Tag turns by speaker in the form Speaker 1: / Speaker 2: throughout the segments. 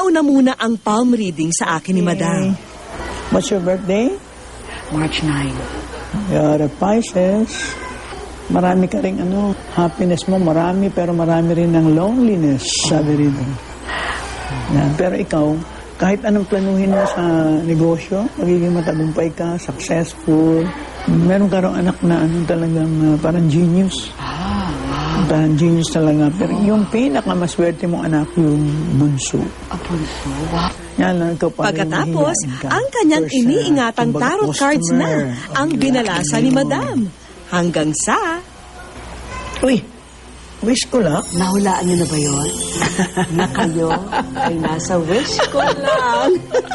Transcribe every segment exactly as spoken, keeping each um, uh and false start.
Speaker 1: Nauna muna ang palm reading sa akin ni Madam.
Speaker 2: What's your birthday?
Speaker 3: March ninth.
Speaker 2: You're a Pisces. Marami ka rin ano, happiness mo marami, pero marami rin ng loneliness, sabi rin. Yan. Pero ikaw, kahit anong planuhin mo sa negosyo, magiging matagumpay ka, successful. Meron ka rin anak na ano, talagang uh, parang genius.
Speaker 3: Ah, wow.
Speaker 2: Parang genius talaga. Pero yung pinakamaswerte mong anak, yung bunso.
Speaker 3: A bunso? Wow.
Speaker 2: Yan lang, ikaw parang
Speaker 1: Pagkatapos,
Speaker 2: hihinain ka.
Speaker 1: ang kanyang
Speaker 2: First, uh,
Speaker 1: iniingatang
Speaker 2: kumbaga,
Speaker 1: tarot cards na
Speaker 2: customer.
Speaker 1: ang
Speaker 2: Okay,
Speaker 1: binalasa ni Madam. Hanggang sa...
Speaker 2: Uy, wish ko lang.
Speaker 3: Nahulaan niyo na ba yun? Na kayo ay nasa wish ko lang.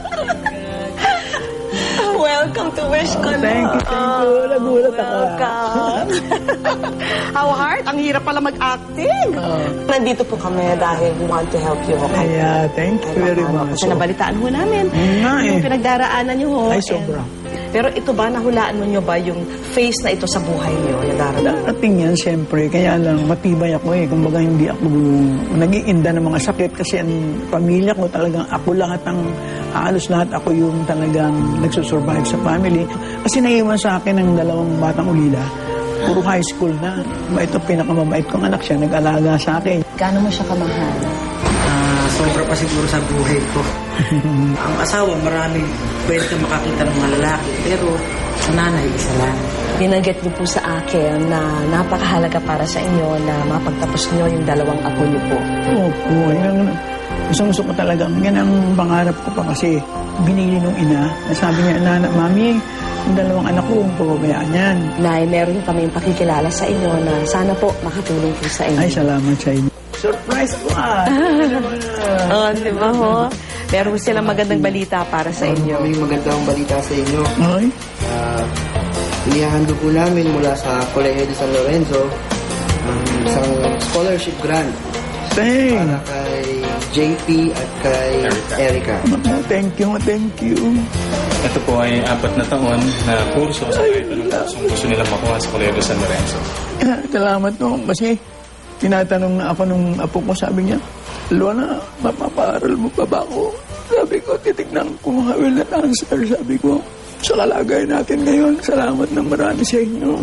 Speaker 3: Welcome to Wish Ko Lang.
Speaker 2: Thank you, thank you. Nagulat ako.
Speaker 3: Welcome. How hard? Ang hirap pala mag-acting.
Speaker 2: Oh.
Speaker 3: Nandito po kami dahil we want to help you. Okay?
Speaker 2: Kaya, thank you very much.
Speaker 3: Kasi nabalitaan ho namin.
Speaker 2: Nga eh.
Speaker 3: Yung pinagdaraanan niyo ho.
Speaker 2: Ay,
Speaker 3: And-
Speaker 2: sobra.
Speaker 3: Pero ito ba, nahulaan mo niyo ba yung face na ito sa buhay niyo? Nadaraan?
Speaker 2: Darating yan, siyempre. Kaya lang, matibay ako eh. Kumbaga, hindi ako nag-iinda ng mga sakit kasi ang pamilya ko talagang ako lahat ang, halos lahat ako yung talagang nagsusurvive sa family. Kasi naiwan sa akin ng dalawang batang ulila. Puro high school na. Ito, pinakamabait kong anak siya, nag-alaga sa akin.
Speaker 3: Gaano mo siya kamahal?
Speaker 4: Ah, sobra pa siguro sa buhay ko. Ang asawa, marami pwede ka makakita ng mga lalaki. Pero sa nanay, isa lang.
Speaker 3: Binanggit niyo po sa akin na napakahalaga para sa inyo na mapagtapos niyo yung dalawang apo niyo po.
Speaker 2: Opo, yan. Gusto-gusto ko talaga. Yan ang pangarap ko pa kasi binili nung ina. Sabi niya, Nana, Mami, yung dalawang anak ko, pababayaan yan.
Speaker 3: Nay, meron kami pakikilala sa inyo na sana po makatulong po sa inyo.
Speaker 2: Ay, salamat sa inyo. Surprise ko ah!
Speaker 3: Oh, di ba ho? Meron silang magandang balita para sa inyo.
Speaker 4: May magandang balita sa inyo.
Speaker 2: Ay,
Speaker 4: Uh, inihahandog po namin mula sa Colegio de San Lorenzo um, isang scholarship grant
Speaker 2: thank.
Speaker 4: para kay J P at kay Erica.
Speaker 2: Thank you, thank you.
Speaker 5: Ito po ay apat na taon na kurso sa kahit anong kursong gusto nilang makuha sa Colegio San Lorenzo.
Speaker 2: Salamat no, kasi tinatanong na ako nung apo ko, sabi niya, Luana, mapapaaral mo pa ba ako? Sabi ko, titignan ko mga will and answer. Sabi ko, sa kalagayan natin ngayon, salamat ng marami sa inyo.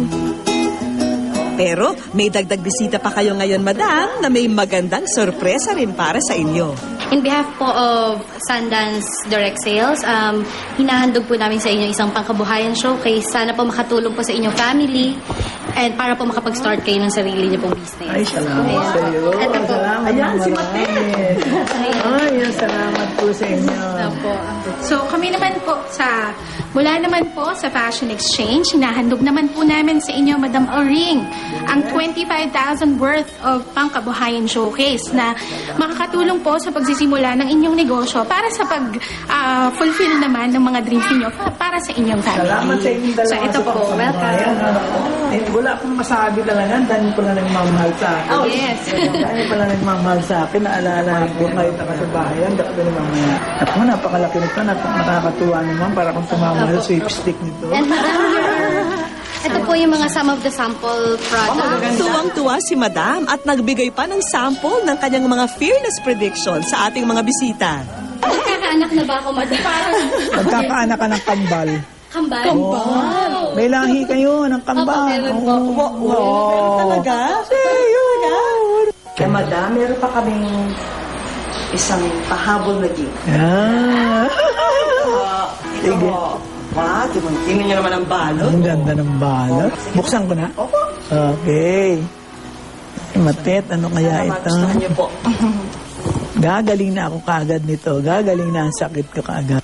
Speaker 1: Pero may dagdag bisita pa kayo ngayon, Madam, na may magandang sorpresa rin para sa inyo.
Speaker 6: In behalf po of Sundance Direct Sales, um, hinahandog po namin sa inyo isang pangkabuhayan showcase. Sana po makatulong po sa inyong family and para po makapag-start kayo ng sarili niyo pong business.
Speaker 2: Ay, salamat sa iyo.
Speaker 6: Ito po.
Speaker 2: Salamat ng marami. Ay, salamat po sa inyo.
Speaker 7: Opo. So, kami naman po sa, mula naman po sa Fashion Exchange, hinahandog naman po namin sa inyo, Madam Oring, ang twenty-five thousand worth of pangkabuhayan showcase na makakatulong po sa pagsisimula ng inyong negosyo para sa pag-fulfill naman ng mga dreams niyo para sa inyong family.
Speaker 2: Salamat sa inyong dalawa.
Speaker 7: So, ito po.
Speaker 2: Welcome. Eh, wala akong masabi talaga. Dahil pala nagmamahal sa akin.
Speaker 7: Oh, yes.
Speaker 2: Dahil pala nagmamahal sa akin. Naalala ko kahit ako sa bahay. Ang dami na mamaya. Ako, napakalaki nito. Nap- nakakatuwa naman para kung tumamahal sa sweepstick nito.
Speaker 6: And Madam, ito po yung mga some of the sample products.
Speaker 1: Tuwang-tuwa si Madam at nagbigay pa ng sample ng kanyang mga fearless predictions sa ating mga bisita.
Speaker 6: Magkakaanak na ba ako, Madam?
Speaker 2: Magkakaanak ka ng kambal.
Speaker 6: Kambal?
Speaker 2: Oh, may lahi kayo ng kambal.
Speaker 6: Opo, meron po.
Speaker 2: Oh, oh.
Speaker 3: Talaga? Talaga? Kaya Madam, meron pa kaming isang pahabol na gift.
Speaker 2: Ah.
Speaker 3: Uh, ito
Speaker 2: Sige.
Speaker 3: po. Wow, tingnan niyo naman ang balot.
Speaker 2: Ang ganda ng balot. Buksan ko na?
Speaker 3: Opo.
Speaker 2: Okay. Matet, ano kaya
Speaker 3: Sana
Speaker 2: ito?
Speaker 3: magustuhan niyo po.
Speaker 2: Gagaling na ako kaagad nito. Gagaling na ang sakit ko kaagad.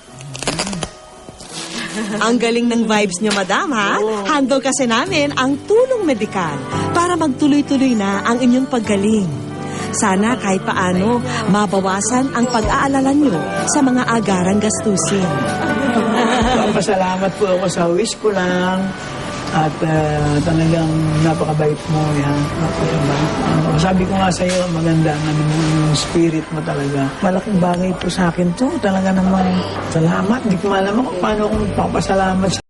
Speaker 1: Ang galing ng vibes niyo, Madam, ha? Handle kasi namin ang tulong medikal para magtuloy-tuloy na ang inyong paggaling. Sana kahit paano mabawasan ang pag-aalala niyo sa mga agarang gastusin.
Speaker 2: Pasalamat po ako sa wish ko lang. At uh, talagang napakabait mo. Yan. Napakabait. Uh, sabi ko nga sa iyo, maganda ang ano, yung spirit mo talaga. Malaking bagay po sa akin to. Talaga namang salamat. Di ko malaman kung paano akong magpapasalamat sa